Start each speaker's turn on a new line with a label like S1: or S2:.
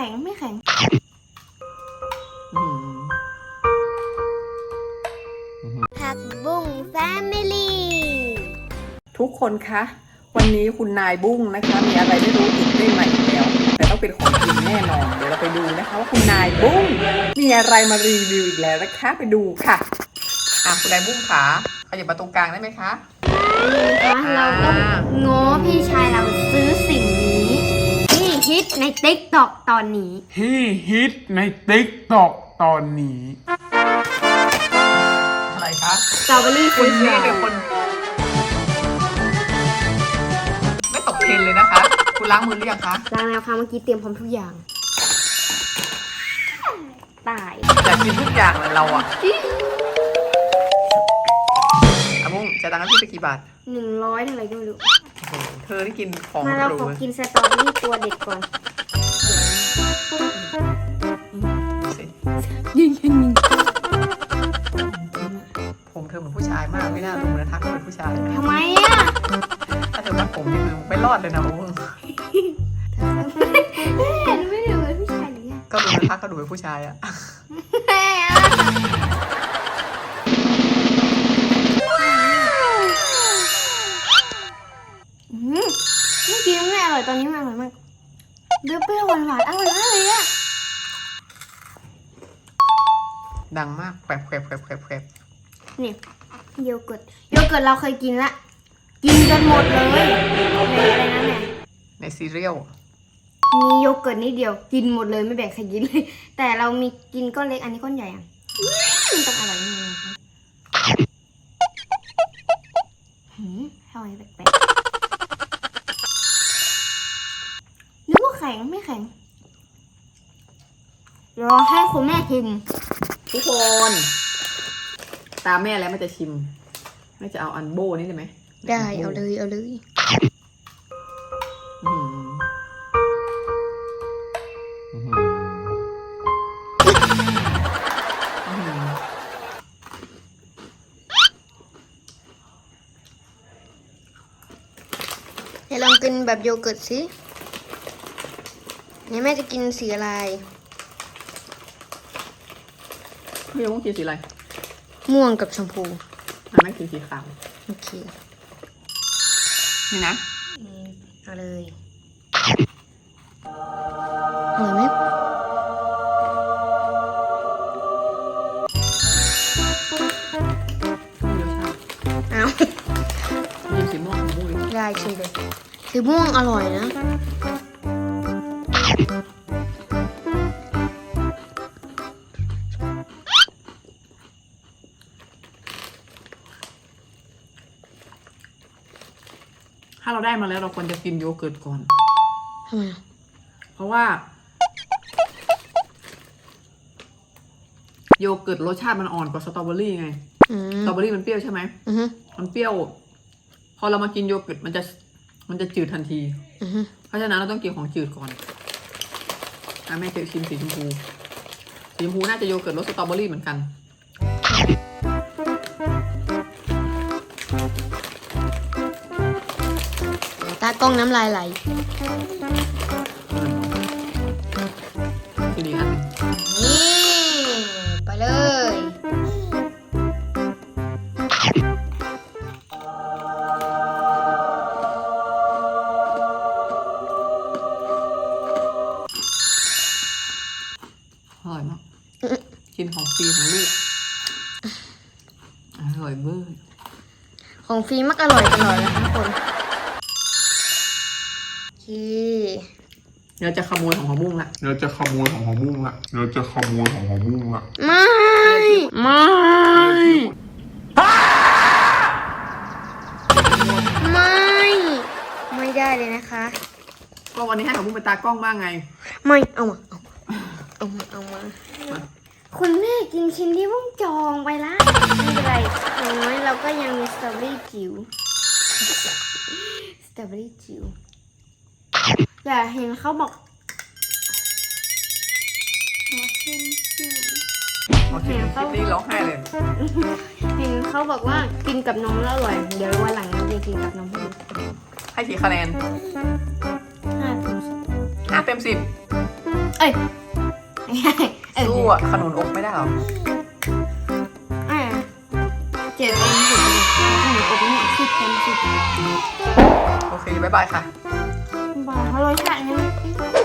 S1: ข็งไม่แข็งผักบุ้งแฟมิลี่
S2: ทุกคนคะวันนี้คุณนายบุ้งนะคะมีอะไรไม่รู้ติดได้ใหม่แล้วแต่ต้องเป็นของกินแน่นอนเดี๋ยวเราไปดูนะคะว่าคุณนายบุ้งมีอะไรมารีวิวอีกแล้วนะคะไปดูค่ะคุณนายบุ้งขาขยับมาตรงกลางได้ไหมคะ
S1: นี่นะคะเราต้องง้อพี่ชายเราซื้อสิ่งนี้ที่ฮิตใน TikTok ตอนนี้
S2: อะไรคะ
S1: สตรอเบอรี่
S2: คุณ
S1: ฟิช
S2: นี่เป็นคนไม่ตกเทรนเลยนะคะคุณล้างมือหรือยังคะ
S1: ล้างแล้วค่ะเมื่อกี้เตรียมพร้อมทุกอย่างตาย
S2: อยากกินทุกอย่างเลยเราอะบุ้งจะตังค์ให้พี่ไปกี่บาท
S1: 100เท่าไหร่ก็ไม่รู้
S2: เธอที่กินของ
S1: มาเรา
S2: หรู
S1: ขอกินสตรอเบอรี่ตัวเด็ดก่อนยิง
S2: ผมเธอเหมือนผู้ชายมากไม่น่าดูนะทักเป็นผู้ชาย
S1: ทำไมอ่ะ
S2: ถ้าเธอมัดผมนี่คือไม่รอดเลยนะบุ้ง
S1: เห็นไม่ดูเป็นผู้ชายหรือไง
S2: ก็ดูนะทักก็ดูเป็นผู้ชายอะ
S1: เมื่อกี้ไม่อร่อยตอนนี้มันอร่อยมากเปรี้ยวๆหวานๆอร่อยมากเลยอะ
S2: ดังมากแผลบ
S1: นี่โยเกิร์ตเราเคยกินละกินจนหมดเลยในอะไรนั่นเนี่ย
S2: ในซีเรียล
S1: มีโยเกิร์ตนิดเดียวกินหมดเลยไม่แบ่งใครกินเลยแต่เรามีกินก้อนเล็กอันนี้ก้อนใหญ่อะมันต้องอร่อยแน่เลยค่ะอร่อยแปลกๆนึกว่าแข็งไม่แข็งรอให้คุณแม่ชิม
S2: ทุกคนตามแม่แล้วมันจะชิมแม่จะเอาอันโบนี่ได้ไหม
S1: ได้เอาเลยเดี๋ยวลองกินแบบโยเกิร์ตสิเนี่ยแม่จะกินสีอะไร
S2: พี่ต้องกินสีอะไร
S1: ม่วงกับชมพู
S2: แม่กินสีขาว
S1: โอเค
S2: นี่นะ
S1: เอาเลยอร่อยไหมเอา
S2: มีสีม่วง
S1: ได้ชิมเลยสีม่วงอร่อยนะ
S2: ถ้าเราได้มาแล้วเราควรจะกินโยเกิร์ตก่อน
S1: ทำไม
S2: เพราะว่าโยเกิร์ตรสชาติมันอ่อนกว่าสตรอเบอรี่ไงสตรอเบอรี่มันเปรี้ยวใช่ไหมมันเปรี้ยวพอเรามากินโยเกิร์ตมันจะจืดทันทีเพราะฉะนั้นเราต้องกินของจืดก่อนแม่จะชิมสีชมพูน่าจะโยเกิร์ตรสสตรอเบอรี่เหมือนกัน
S1: ตากล้องน้ำลายไหล
S2: ทีนี้อันนึง
S1: นี่ไปเลย
S2: อร่อยมากกินของฟรีของลูกอร่อยเบอร์
S1: ของฟรีมักอร่อยตลอดเลยทุกคน
S2: เราจะขโมยของบุ้งละ
S1: ไม่ได้เลยนะคะ
S2: ก็วันนี้ให้ของบุ้งเป็นตากล้องบ้างไง
S1: ไม่เอามาคุณแม่กินชิ้นที่บุ้งจองไปละไม่เป็นไรอย่างน้อยเราก็ยังมีสตรอเบอรี่จิ๋วอย่าเห็นเขาบอก
S2: โอเคคลิปนี้ร้องไห้เลย
S1: เห็นเขาบอกว่ากินกับนมแล้วอร่อยเดี๋ยววันหลังเราจะกินกับนม
S2: ให้กี่คะแนน5 เต็ม 10
S1: เอ้ยไม่ใช่
S2: สู้อ่ะขนุนอบไม่ได้หรอ
S1: เจ็ดเป็นสิบเลยขนมอบนี่10 เต็ม 10
S2: โอเค บ๊ายบายค่ะ
S1: บอกเพราะรสชาตินี้